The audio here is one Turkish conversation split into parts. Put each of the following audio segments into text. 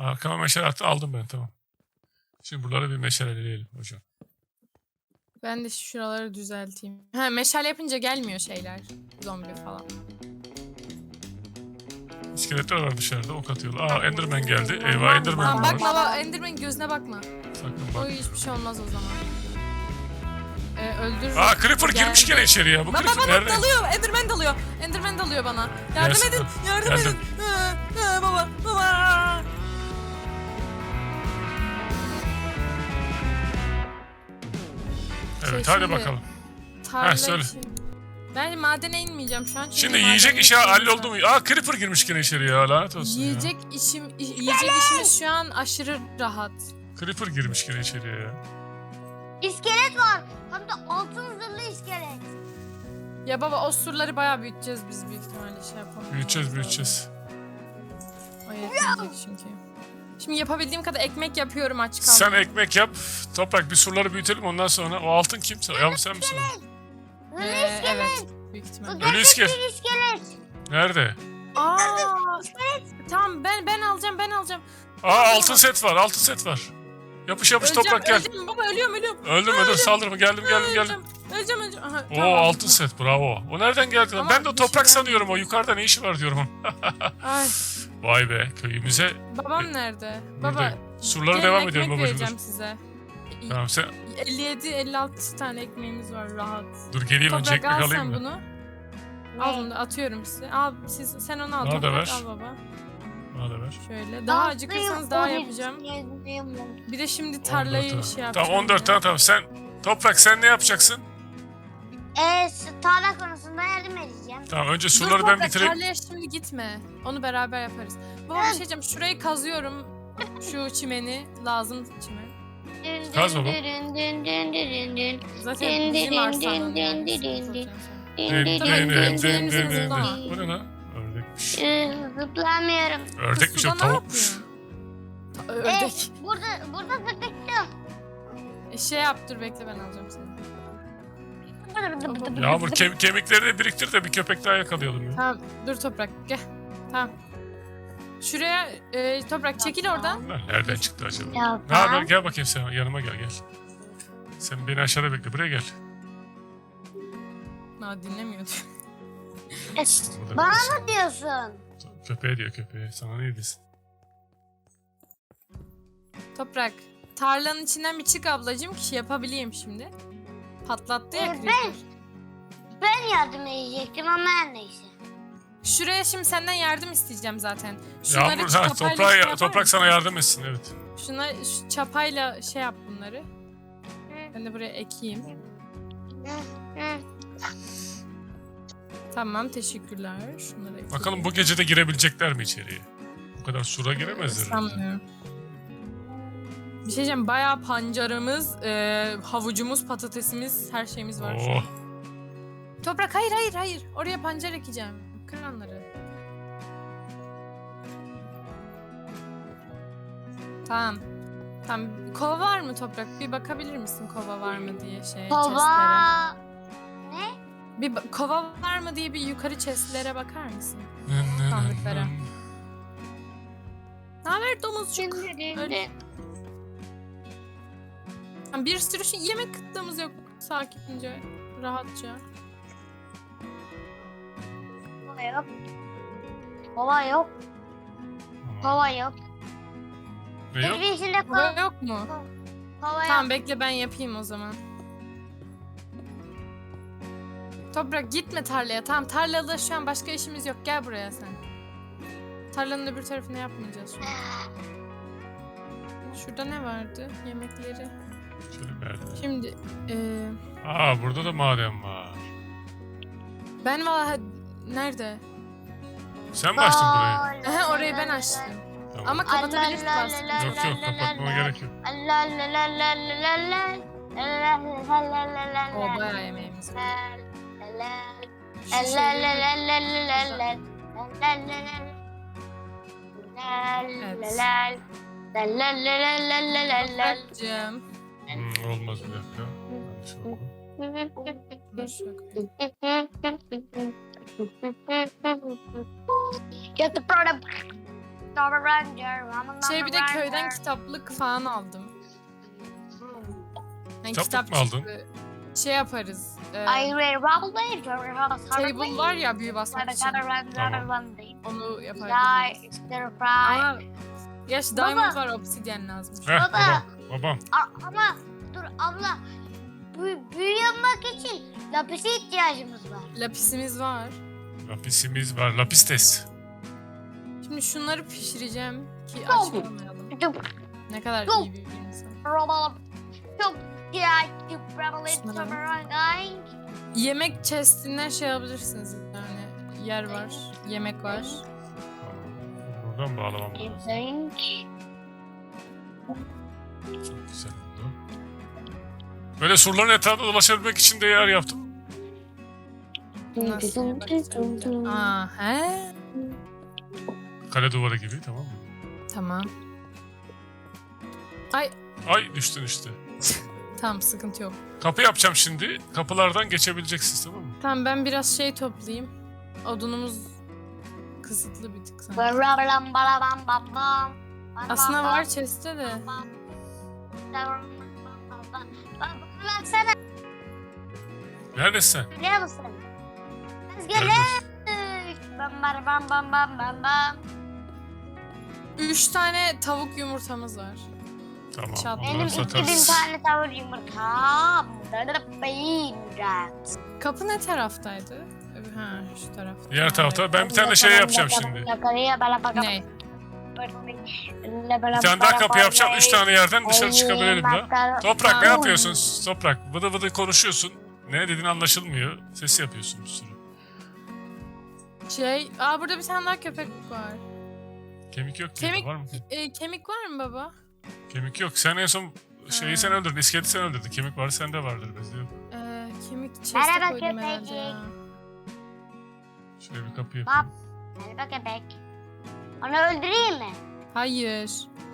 Arkama meşale attı, aldım ben, tamam. Şimdi buraları bir meşaleleyelim hocam. Ben de şuraları düzelteyim. Ha, meşale yapınca gelmiyor şeyler. Zombi falan. İskeletler var dışarıda, ok atıyorlar. Enderman geldi. Eyvah, Enderman Tamam, var. bakma Enderman gözüne bakma. Sakın O bak. hiçbir şey olmaz o zaman. Öldürür. Creeper girmiş gene içeri ya. Bu Baba Creeper baba nerede? dalıyor. Enderman dalıyor. Enderman dalıyor bana. Yardım Gelsin, edin. dur. Yardım Geldim. edin. Baba. Baba. Evet, Şey, hadi şimdi- bakalım. Tarla söyle. için. Ben madene inmeyeceğim şu an. çünkü Şimdi maden yiyecek işi işimiz halloldu var. mu? Creeper girmiş gene içeri ya, lanet olsun Yiyecek işimiz şu an aşırı rahat. ya. Creeper girmiş gene içeriye ya. İskelet var. Hem de altın zırhlı iskelet. Ya baba o surları bayağı büyüteceğiz biz büyük ihtimalle şey yapalım. Büyüteceğiz. O yetmeyecek çünkü. Şimdi yapabildiğim kadar ekmek yapıyorum aç kaldım. Sen ekmek yap. Toprak, bir surları büyütelim, ondan sonra. O altın kimse? Ya sen misin? Zırhlı iskelet. Evet büyük Bu ihtimalle. Ölü gerçek iskelet. bir iskelet. Nerede? Aa, tamam ben alacağım. Altın set var, altın set var. Yapış Toprak gel. Öleceğim baba ölüyorum. Öldüm, saldırma, geldim. Öleceğim. Aha, Oo, tamam. altın set, bravo. O nereden geldi lan? Ama Ben de bir toprak şey sanıyorum, o yukarıda ne işi var diyorum. Ay, Vay be, köyümüze. babam nerede? Buradayım. Baba Surlara gelin devam ediyorum ekmek babacığım, vereceğim dur. size. Tamam, sen 57-56 tane ekmeğimiz var rahat. dur, geleyim önce, Toprak ekmek al alayım sen mı? bunu. Al bunu da atıyorum size. Al sen onu al. Bana da Toprak ver. al baba. Bana da ver. Şöyle. Daha acıkırsanız daha yapacağım. Bir de şimdi 14 tarlayı tane. şey yapacağım. Tamam, 14 tane, tamam. Toprak, sen ne yapacaksın? Tarla konusunda yardım edeceğim. Tamam, önce Dur surları ben Toprak, bitireyim. tarlaya şimdi gitme. Onu beraber yaparız. Baba bir şey diyeceğim. Şurayı kazıyorum. Şu çimeni. Lazım çimen. Kaz baba. Zaten bizim arsanın yani. Bu ne lan? Ördekmiş. Zıplamıyorum. Ördekmiş, o Suda ne tavukmuş. yapıyorsun? Ördek. Burada zıplıktım. Şey yap dur bekle ben alacağım seni. Yağmur, kemikleri de biriktir de bir köpek daha yakalayalım ya. Tamam dur Toprak gel. Tamam. Şuraya Toprak çekil oradan. Lan nereden çıktı acaba? Ya, Ne haber? Gel bakayım sen, yanıma gel. Sen beni aşağıda bekle, buraya gel. Dinlemiyordu. Burada Bana beklesin. mı diyorsun? Köpeğe diyor, köpeğe. Sana ne diyorsun? Toprak tarlanın içinden bir çık ablacığım ki şey yapabileyim şimdi. Patlattı ya creeper. Ben yardım edecektim ama her neyse. Şuraya şimdi senden yardım isteyeceğim zaten. Şunları Yağmur, çapayla şey yapar toprak mısın? sana yardım etsin, evet. Şu çapayla şey yap bunları. Ben de buraya ekeyim. Tamam teşekkürler. Şunları ekeyim. Bakalım bu gece de girebilecekler mi içeriye? Bu kadar sura giremezler. Sanmıyorum. Bir şey diyeceğim. Bayağı pancarımız, havucumuz, patatesimiz, her şeyimiz var şu an. Oh. Toprak hayır. Oraya pancar ekeceğim. Kır onları. Tamam. Kova var mı Toprak? Bir bakabilir misin kova var mı diye chestlere. Kova. Ne? Kova var mı diye bir yukarı chestlere bakar mısın? Sandıklara. Ne haber domuzcuk? Öyle. Bir sürü yemek kıtlığımız yok. Sakince, rahatça. Kova yok. Kova yok. Kova yok. Ne yok? Evin içinde Kova kova, yok mu? kova Tamam yok. bekle ben yapayım o zaman. Toprak gitme tarlaya. Tamam tarlada şu an başka işimiz yok. Gel buraya sen. Tarlanın öbür tarafını yapmayacağız şu an. Şurada ne vardı? Yemekleri. Şöyle verdim. Şimdi Burada da maden var. ben valla nerede? Sen mi açtın burayı? Aha, orayı ben açtım. Tamam. Ama kapatabilirsin aslında. Yok, kapatmama gerek yok. O bayağı yemeğimiz var. Şu şeyi- Toprakcığım. Olmaz, bir dakika. Yanlış oldu. Dur şöyle. Get the product. Şey bir de köyden kitaplık falan aldım. Yani Kitaplık mı aldın? çıktı. Şey yaparız. Table Table var ya büyü basmak için. Onu yaparız. Ama gerçi Baba. diamond var, obsidian lazım. Heh, Baba. babam. Ama dur abla. Büyü yapmak için lapise ihtiyacımız var. Lapisimiz var. Lapisimiz var. Lapistes. Şimdi şunları pişireceğim ki aç Tamam. kalmayalım. Çok Ne kadar Yok. iyi bir insan. çok güzel. Yemek chestinden şey yapabilirsiniz yani. Yer var, yemek var. Buradan bağlamam lazım. Çok güzel oldu. Böyle surların etrafında dolaşabilmek için de yer yaptım. Nasıl yemek istiyorum? Aa, he? Kale duvarı gibi, tamam mı? Tamam. Ay, Ay düştün işte. tamam sıkıntı yok. Kapı yapacağım şimdi. Kapılardan geçebileceksiniz, tamam mı? Tamam ben biraz şey toplayayım. Odunumuz kısıtlı bir tık sanki. Aslında var chest'te de. Baksana Neredesin sen? biliyor musun? Biz Neredesin? geldik. Bam bam bam bam bam bam bam. 3 tane tavuk yumurtamız var. Tamam. Çat. onları Benim satarız. 2000 tane tavır yumurta. Bunları da beğeneceğiz. Kapı ne taraftaydı? Ha şu tarafta. Diğer Ha, tarafta evet. ben bir tane şey yapacağım şimdi. Ne? Bir tane daha kapı yapacağım. 3 tane yerden dışarı çıkabilelim de. Toprak ne Tamam. yapıyorsun? Toprak vıdı vıdı konuşuyorsun. Ne dediğin anlaşılmıyor. Ses yapıyorsun bir sürü. Burada bir tane daha köpek var. Kemik yok ki. Kemik- Var mı? Kemik var mı baba? Kemik yok. Sen en son şeyi Ha. sen öldürdün. İskeleti sen öldürdün. Kemik var sende vardır. Bizde yok. Kemik chest'e Merhaba koydum herhalde ya. Şöyle bir kapı Bak. yapayım. Merhaba köpek. Onu öldüreyim mi? Hayır.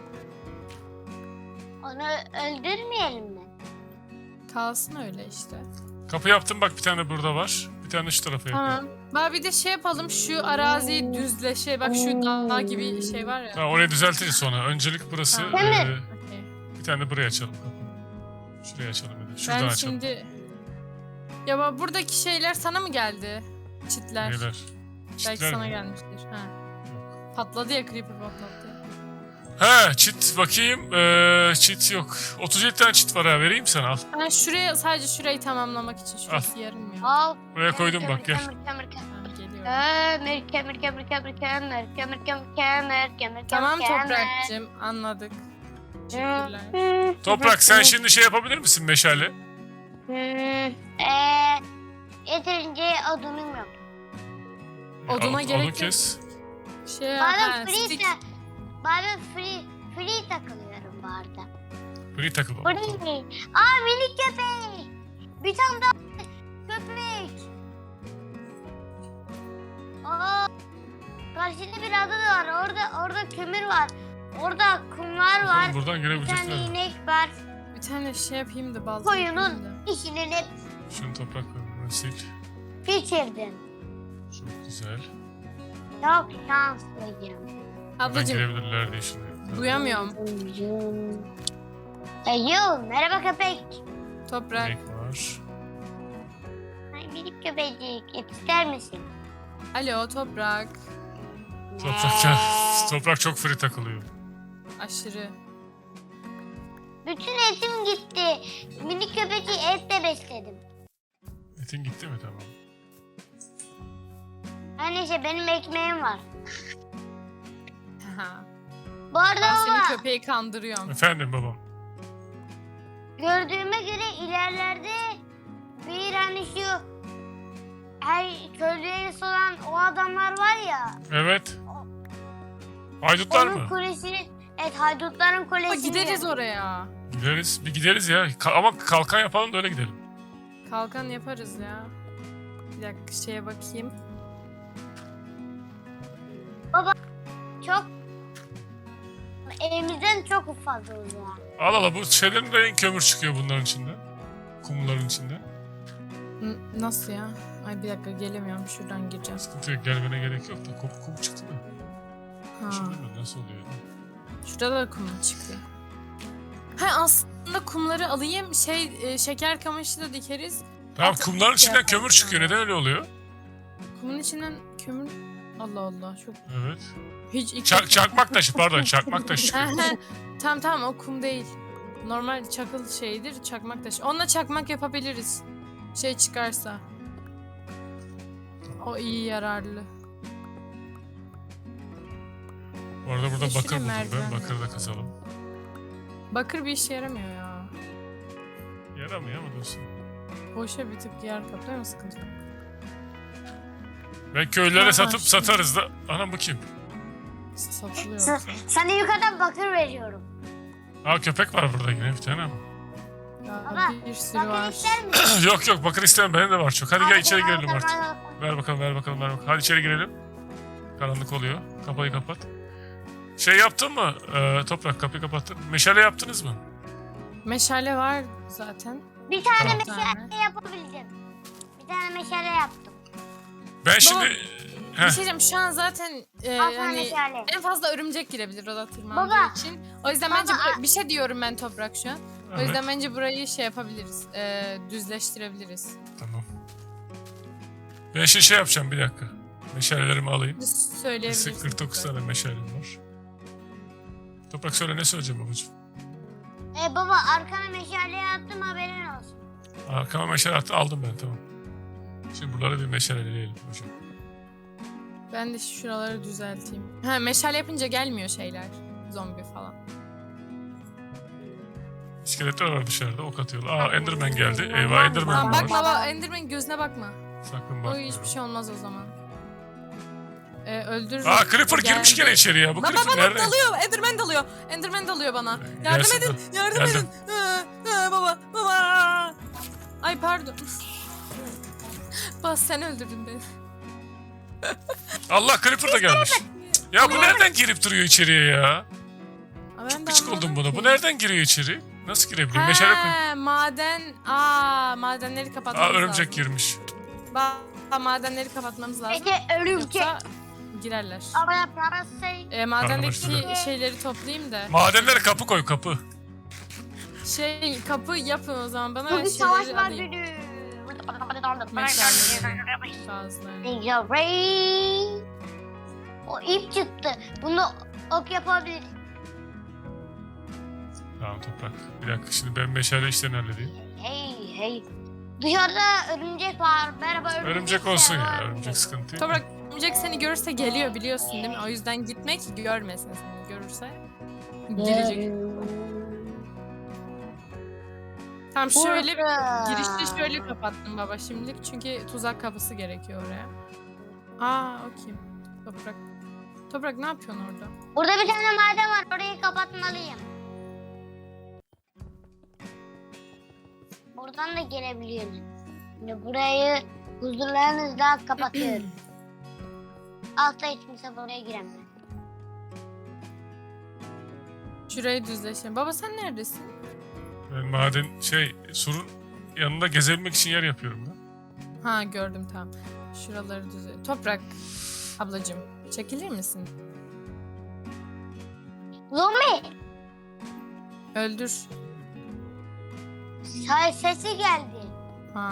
Onu öldürmeyelim mi? Kalsın öyle işte. Kapı yaptım bak, bir tane burada var. Bir tane şu tarafa yapıyorum. Tamam. Baba bir de şey yapalım, şu araziyi düzleşe. Bak şu dağ gibi şey var ya. Tamam, orayı düzeltiriz sonra. Öncelik burası. Tamam. Değil Okey. Bir tane de buraya açalım kapıyı. Şuraya açalım bir de. Şuradan Ben açalım. şimdi... Ya baba buradaki şeyler sana mı geldi? Çitler. Neler? Belki Çitler sana mi? gelmiştir. Ha. Patladı ya, creeper patladı. He, çit bakayım. Çit yok. 37 tane çit var ha, vereyim sana, al. Ben şuraya, sadece şurayı tamamlamak için, şurası yarım ya. Al. Buraya koydum bak, gel. Kömür kömür kömür. Ha, geliyorum. Kömür kömür kömür kömür kömür kömür kömür. Tamam kömür. Toprak'cığım, anladık. Teşekkürler. Toprak sen şimdi şey yapabilir misin meşale? Yeterince odunum yok. Oduna gerek Odun yok. kes. Şey Bazen stick. free takılıyorum bu arada. Free takıl. Free. Aa minik köpek. Bir tane daha köpek. Aa, karşıda bir ada da var. Orada kömür var. Orada kumlar var. Buradan Bir tane girebilecekler. inek var. Bir tane şey yapayım da balta Koyunun yapayım da. işini hep Şunu toprak koy, sil. bitirdim. Çok güzel. Çok şanslıyım. Buradan Ablacığım girebilirler diye şimdi. duyamıyorum. Yo, merhaba köpek. Toprak. Renk var. Ay minik köpecik. Et ister misin? Alo Toprak. Toprak ya. Toprak çok free takılıyor. Aşırı. Bütün etim gitti. Minik köpeci etle besledim. Etin gitti mi? Tamam. Her neyse benim ekmeğim var. Haha. Bu arada Ben seni baba köpeği kandırıyorum. Efendim babam. gördüğüme göre ilerlerde bir hani şu her köyde olan o adamlar var ya. Evet. Haydutlar Onun mı? kulesini, evet haydutların Baba kulesini. gideriz oraya. Gideriz. Bir gideriz ya. Ama kalkan yapalım da öyle gidelim. Kalkan yaparız ya. Bir dakika şeye bakayım. Çok evimizden çok fazla uzağa. Al al, bu şeylerin de kömür çıkıyor bunların içinde. Kumların içinde. Nasıl ya? Ay bir dakika gelemiyorum, şuradan gireceğim. Sıkıntı yok, gelmene gerek yok da kum çıktı mı? Ha. Şimdi mi? Nasıl oluyor? Şurada da kum çıkıyor. Ha aslında kumları alayım şeker kamışı da dikeriz. Tamam, kumların içinden kömür çıkıyor. Neden öyle oluyor? Kumun içinden kömür... Allah Allah çok... Evet. Hiç ilk Çakmak taşı, pardon, çakmak taşı çıkıyor. Tamam o kum değil. Normal çakıl şeydir, çakmak taşı. Onunla çakmak yapabiliriz. Şey çıkarsa. O iyi yararlı. Bu arada burada Yeşil bakır buldum merdiven ben. var. Bakırı da kazalım. Bakır bir işe yaramıyor ya. Yaramıyor ama dostum. Boşa bir tık yer kaplıyor ama sıkıntı yok. Ben köylere Aha, satıp şimdi- satarız da. Anam bu kim? Satılıyor. Sana yukarıdan bakır veriyorum. Aa, köpek var burada yine bir tane ama. Ya, Baba, bir sürü bakır var. ister misin? Yok bakır istemem, benim de var çok. Hadi gel içeri girelim artık. artık. Ver bakalım. Hadi içeri girelim. Karanlık oluyor. Kapıyı kapat. Şey yaptın mı? Toprak, kapıyı kapattın. Meşale yaptınız mı? Meşale var zaten. Bir tane Tamam. meşale yapabildim. Bir tane meşale yaptım. Ben şimdi... Bir Heh, şey diyeceğim şu an zaten Al sana hani meşale. en fazla örümcek girebilir oda tırmandığı Baba. için. O yüzden Baba, bence bir şey diyorum ben Toprak şu an. O evet, yüzden bence burayı şey yapabiliriz. Düzleştirebiliriz. tamam. Ben şimdi şey yapacağım, bir dakika. Meşalelerimi alayım. Söyleyebilirsin. 49 tane meşalem var. Toprak söyle, ne söyleyeceğim babacığım? Baba arkana meşale yaptım haberin olsun. Arkama meşale attı, aldım ben, tamam. Şimdi buraları bir meşaleleyelim hocam. Ben de şuraları düzelteyim. Ha meşale yapınca gelmiyor şeyler. Zombi falan. İskeletler var dışarıda, ok atıyorlar. Aa, Enderman geldi. Eyvah, Enderman Tamam var. bakma baba Enderman gözüne bakma. Sakın O bakma. hiçbir şey olmaz o zaman. Öldürür. Aa, Creeper Geldi. girmiş gene içeri ya. Bu Baba Creeper bana nerede? dalıyor. Enderman dalıyor. Enderman dalıyor bana. Yardım Gelsin edin. de. Yardım Geldim. edin. Baba. Ay pardon. Bas sen öldürdün beni. Allah, Creeper da gelmiş. Ya bu nereden girip duruyor içeriye ya? Aa, ben de Gıcık oldum anlamadım buna. ki. Bu nereden giriyor içeri? Nasıl girebiliyor? Meşale koy. He, madenleri kapatmamız Aa, örümcek lazım. girmiş. Madenleri kapatmamız lazım. Peki örümcek. Yoksa girerler. Ama parası Madendeki Karnım şeyleri toplayayım da. Madenlere kapı koy, kapı. Kapı yapın o zaman bana Bugün savaş şeyleri var alayım. günü. Meşaleleri. Fazla. O ip çıktı. Bunu ok yapabilir. Tamam Toprak. Bir dakika, şimdi ben meşale işlerini halledeyim. Hey. Dışarıda örümcek var. Merhaba örümcek. Örümcek olsun ya. Merhaba Örümcek sıkıntı yok. Toprak örümcek seni görürse geliyor biliyorsun değil mi? O yüzden gitme ki görmesin seni. Görürse gelecek. Tamam şöyle girişte şöyle kapattım baba şimdilik çünkü tuzak kapısı gerekiyor oraya. Aa o kim? Toprak ne yapıyorsun orada? Burada bir tane maden var. Orayı kapatmalıyım. Buradan da gelebiliyoruz. Şimdi burayı huzurlarınızla kapatıyorum. Altta hiç kimse buraya giremez. Şurayı düzleşelim. Baba sen neredesin? Ben maden surun yanında gezebilmek için yer yapıyorum da. Ha gördüm tamam. Şuraları düzle. Toprak ablacığım çekilir misin? Zombi! Öldür. Sesi geldi. Ha.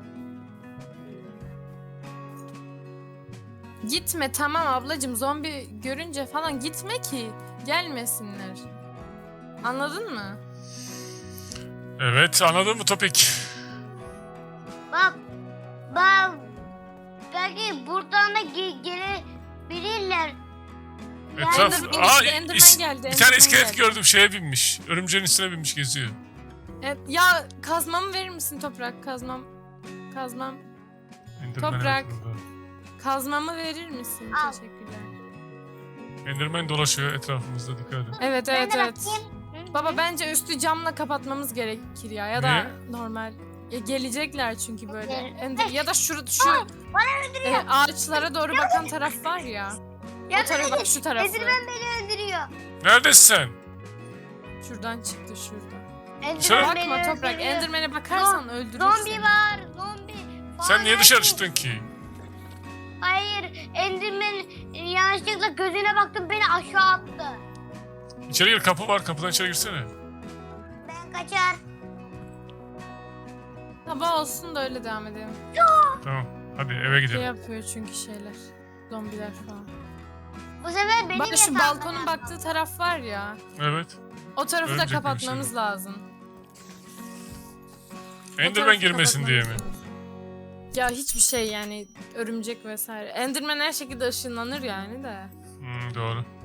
Gitme tamam ablacığım zombi görünce falan gitme ki gelmesinler. Anladın mı? Evet, anladın mı Topik? Bak. Belki buradan da gelebilirler. Etraf... Enderman Aa, geldi, Enderman geldi. bir tane Enderman iskelet geldi. gördüm, şeye binmiş. Örümceğin üstüne binmiş, geziyor. Evet, ya kazmamı verir misin Toprak? Kazmam. Enderman Toprak. evet burada. Kazmamı verir misin? Al. Teşekkürler. Enderman dolaşıyor etrafımızda, dikkat edin. Evet Ben evet de evet. bakayım. Baba bence üstü camla kapatmamız gerekir ya da Niye? normal. Gelecekler çünkü böyle. Evet. Ya da şu Bana ağaçlara doğru bakan taraf var ya. O tarafa bak şu tarafı. Enderman beni öldürüyor. Neredesin sen? Şuradan çıktı şuradan. Enderman Bakma beni Toprak. öldürüyor. Enderman'e bakarsan öldürür Zombi seni. var. Zombi. Sen niye Fare. dışarı çıktın ki? Hayır. Enderman yanlışlıkla gözüne baktım beni aşağı attı. İçeri gir, kapı var. Kapıdan içeri girsene. Ben kaçar. Sabah olsun da öyle devam edelim. Tamam. Hadi eve Şey gidelim. yapıyor çünkü şeyler. Zombiler falan. Bu sefer benim Bak şu yatağımda balkonun yattı. baktığı taraf var ya. Evet. O tarafı da Örümcek gibi bir kapatmamız şey. lazım. O Enderman tarafı girmesin diye mi? kapatmamız lazım. Ya hiçbir şey yani örümcek vesaire. Enderman her şekilde ışınlanır yani de. Doğru.